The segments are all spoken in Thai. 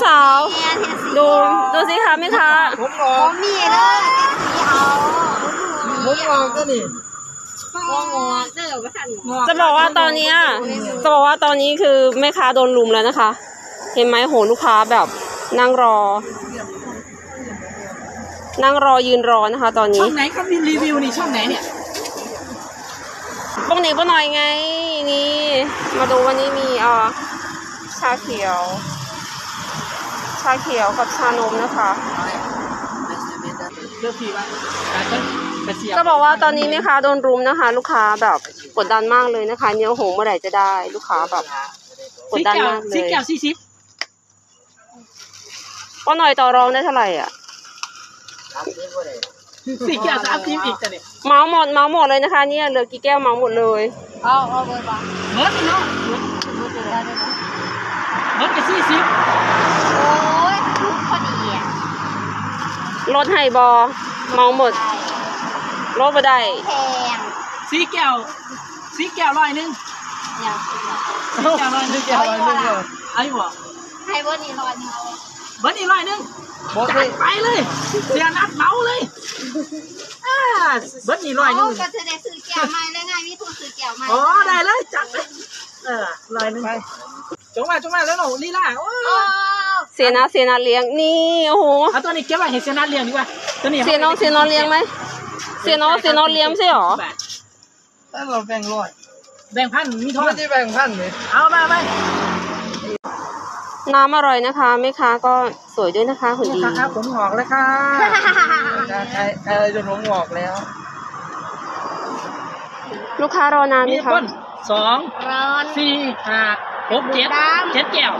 สาวดูสิคะแม่ค้าผมออกมีเลยสีเอาผมออกก็นี่จะบอกว่าตอนนี้คือแม่ค้าโดนลุมแล้วนะคะ เห็นไหมโหลูกค้าแบบนั่งรอยืนรอนะคะตอนนี้ช่องไหนเขามีรีวิวนี่ช่องไหนเนี่ยป้องหนีป้าหน่อยไงนี่มาดูวันนี้มีชาเขียวกับชานมนะคะจะบอกว่าตอนนี้แม่ค้าโดนรุมนะคะลูกค้าแบบกดดันมากเลยนะคะเนี่ยโหเมื่อไหร่จะได้ลูกค้าแบบกดดันมากเลย 10 แก้ว 40 ป้าหน่อยต่อรองได้เท่าไหร่อ่ะ 4 แก้ว 30อีกแต่เนี่ยเมาหมดเลยนะคะเนี่ยเหลือกี่แก้วเมาหมดเลยเอาเบอร์บ้างเบิร์ดเนาะเบิร์ดกับ40 โอ้ยทุกพอดีอ่ะลดให้บอเมาหมดลดไปได้แพง 4 แก้ว100นึงอย่าง 4 แก้ว100นึงไอ้บ่ให้เบอร์นี้100นึงเอาเบิร์ดนี่100นึงจัดไปเลยเสียนัดเมาเลยเบิร์ดนี่100นึงก็จะได้ซื้อแก้วใหม่แล้วไงมีทุนซื้อแก้วใหม่อ๋อได้เลยจัดเลย100นึงไปจงมาแล้วหนูลีลาโอ้เสียนาเลี้ยงนี่โอ้โหเอาตัวนี้เก็บไว้ให้เสียนาเลี้ยงดีกว่าตัวนี้เสียน้องเลี้ยงไหมเสียน้องเลี้ยงไม่ใช่หรอถ้าเราแบ่งพันมีทอนไม่ได้แบ่งพันเลยเอาไปน้ำอร่อยนะคะแม่ค้าก็สวยด้วยนะคะหุ่นดีครับผมหอกเลยค่ะใครจนผมหอกแล้วลูกค้ารอนานไหมคะ 2 4 5 6 7 7 แก้ว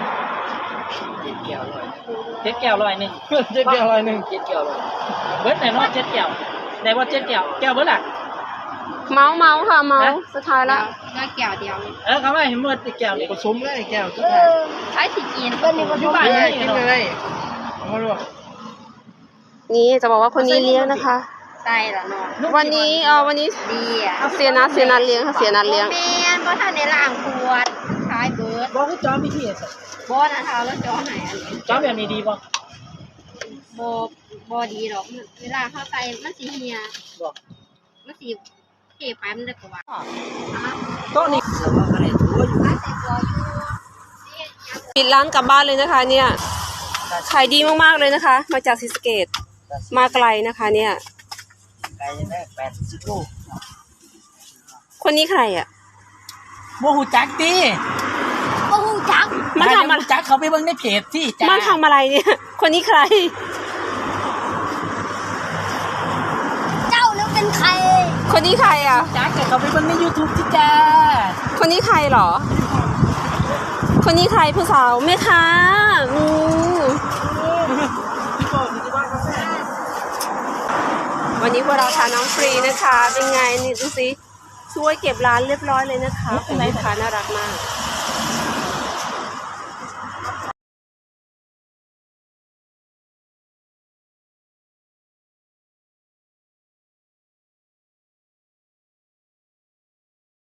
100นึง7 แก้ว100นึง 7 แก้ว100 เบิร์ดไหนเนาะ7 แก้วได้ว่า7 แก้วเบิร์ดล่ะเมาค่ะเมาสุดท้ายละก็แก้วเดียวเขาไม่เห็นเมื่อติดแก้วนี่ผสมเลยแก้วทุกใช้สีกินก็นี่ก็อยู่บ้านนี่กินเลยเอามาลวกนี่จะบอกว่าคนนี้เลี้ยงนะคะใช่แล้วเนาะวันนี้ดีอ่ะเสียนัดเลี้ยงค่ะเสียนัดเลี้ยงแม่นบ่ทันได้ล้างขวดขายเบิดบอกให้จอมมีที่สิบ่นะเท่าแล้วจอไหนอันนี้จอมแบบนี้ดีบ่บ่ดีหรอกเวลาเข้าใส่มันสิเหี่ยบ่มันสิเก็บไปมันได้กว่าโต๊ะนี้ปิดร้านกลับบ้านเลยนะคะเนี่ยขายดีมากๆเลยนะคะมาจากศรีสะเกษมาไกลนะคะเนี่ยไก่แม่80 โลคนนี้ใครอ่ะโมหูจักตีโอ้จักมันทำอะไรจักเขาไปเบิ่งในเพจที่มันทำอะไรเนี่ยคนนี้ใครเจ้าแล้วเป็นใครคนนี้ใครอ่ะจักเขาไปเบิ่งใน YouTube ที่จ้าคนนี้ใครหรอคนนี้ใครผู้สาวแม่ค้าวันนี้พวกเราทานน้ำฟรีนะคะเป็นไงนี่ดูสิช่วยเก็บร้านเรียบร้อยเลยนะคะคุณลูกค้าน่ารักมาก